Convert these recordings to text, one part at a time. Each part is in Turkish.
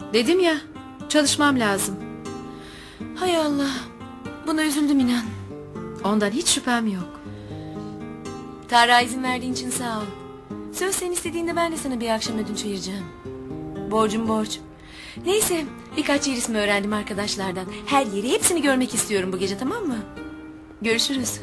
Dedim ya, çalışmam lazım. Hay Allah. Buna üzüldüm inan. Ondan hiç şüphem yok. Tarık'a izin verdiğin için sağ ol. Söz sen istediğinde ben de sana bir akşam ödünç vereceğim. Borcum borç. Neyse, birkaç yer ismi öğrendim arkadaşlardan. Her yeri, hepsini görmek istiyorum bu gece, tamam mı? Görüşürüz.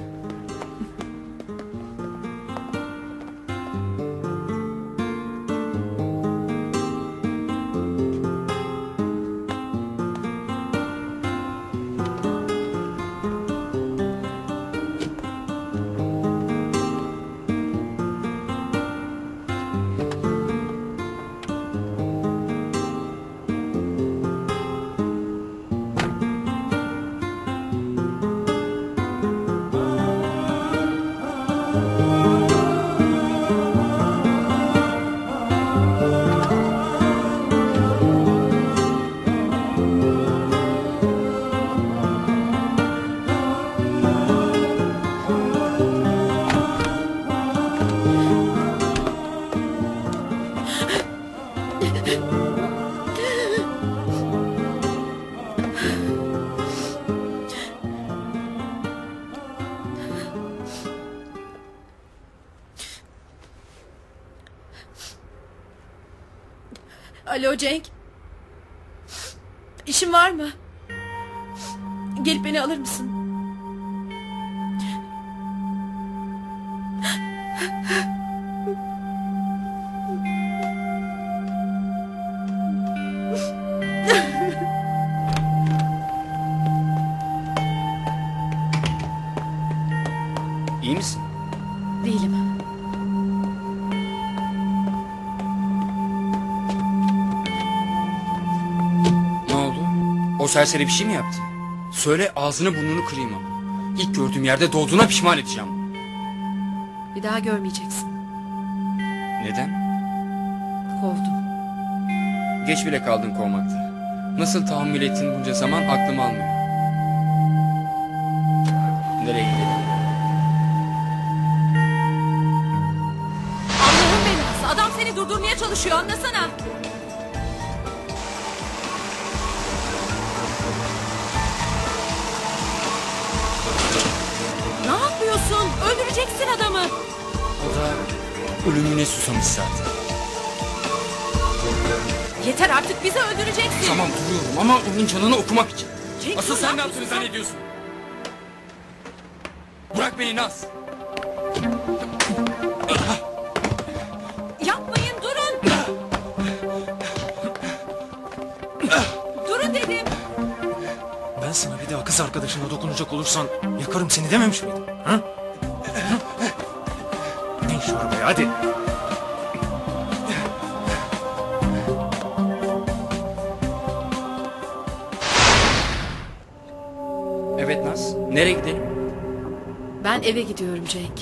Alo Cenk. İşin var mı? Gelip beni alır mısın? İyi misin? Değilim. Ne oldu? O serseri bir şey mi yaptı? Söyle, ağzını burnunu kırayım ama. İlk gördüğüm yerde doğduğuna pişman edeceğim. Bir daha görmeyeceksin. Neden? Kovdum. Geç bile kaldın kovmakta. Nasıl tahammül ettin bunca zaman aklım almıyor. Nereye gidelim? Allah'ın belası. Adam seni durdurmaya çalışıyor, anlasana. Ne yapıyorsun? Öldüreceksin adamı. O da ölümüne susamış zaten. Yeter artık, bizi öldüreceksin. Tamam, duruyorum ama onun canını okumak için. Cenk, Asıl dur, sen ne ne yaptığını yapıyorsun? zannediyorsun? Bırak beni Naz. Yapmayın, durun. Durun dedim. Ben sana bir daha kız arkadaşına dokunacak olursan yakarım seni dememiş miydim? Ha? Ne şu arabaya, hadi. Evet Naz, nereye gidelim? Ben eve gidiyorum Cenk.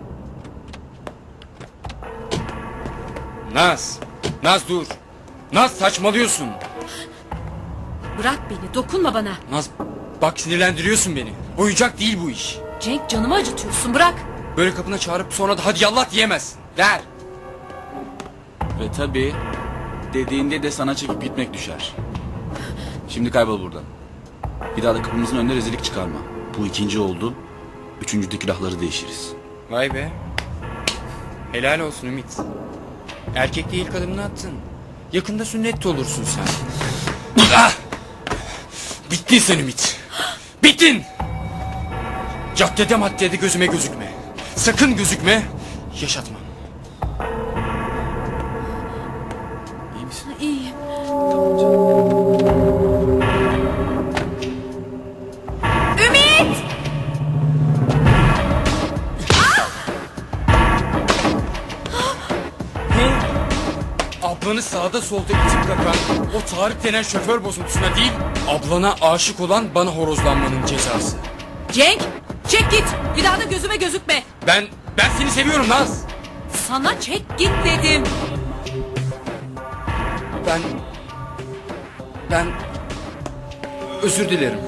Naz, Naz dur. Naz, saçmalıyorsun. Bırak beni, dokunma bana. Naz, bak sinirlendiriyorsun beni. Oyuncak değil bu iş. Cenk, canımı acıtıyorsun, bırak. Böyle kapına çağırıp sonra da hadi yallah diyemezsin. Ver. Ve tabii dediğinde de sana çekip gitmek düşer. Şimdi kaybol buradan. Bir daha da kapımızın önüne rezillik çıkarma. Bu ikinci oldu. Üçüncüde külahları değişiriz. Vay be. Helal olsun Ümit. Erkek değil, adımını attın. Yakında sünnet de olursun sen. Ah! Bittin sen Ümit. Bittin. Caddede maddede gözüme gözükme. Sakın gözükme. Yaşatmam. İyi misin? İyiyim. Ümit! Ablanı sağda solda itip kakan o Tarık denen şoför bozuntusuna değil, ablana aşık olan bana horozlanmanın cezası. Cenk, çek git. Bir daha da gözüme gözükme. Ben seni seviyorum Naz. Sana çek git dedim. Ben özür dilerim.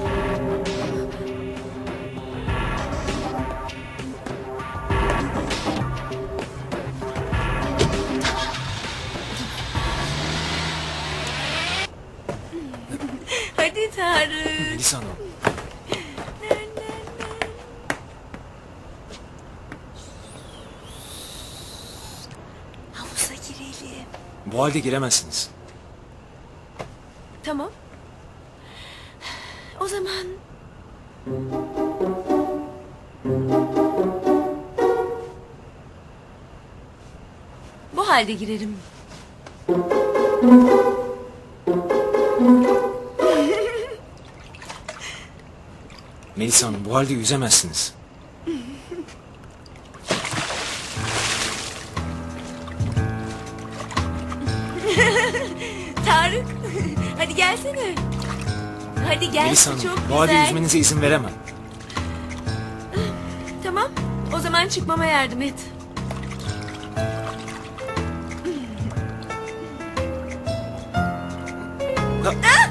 Hadi Tarık. Melisa Hanım. Havuza girelim. Bu halde giremezsiniz. Tamam. O zaman... Bu halde girerim. Melisa Hanım bu halde yüzemezsiniz. Tarık, hadi gelsene. Hadi gel, Melisa Hanım çok bu halde güzel. yüzmenize izin veremem. Tamam, o zaman çıkmama yardım et. Ha-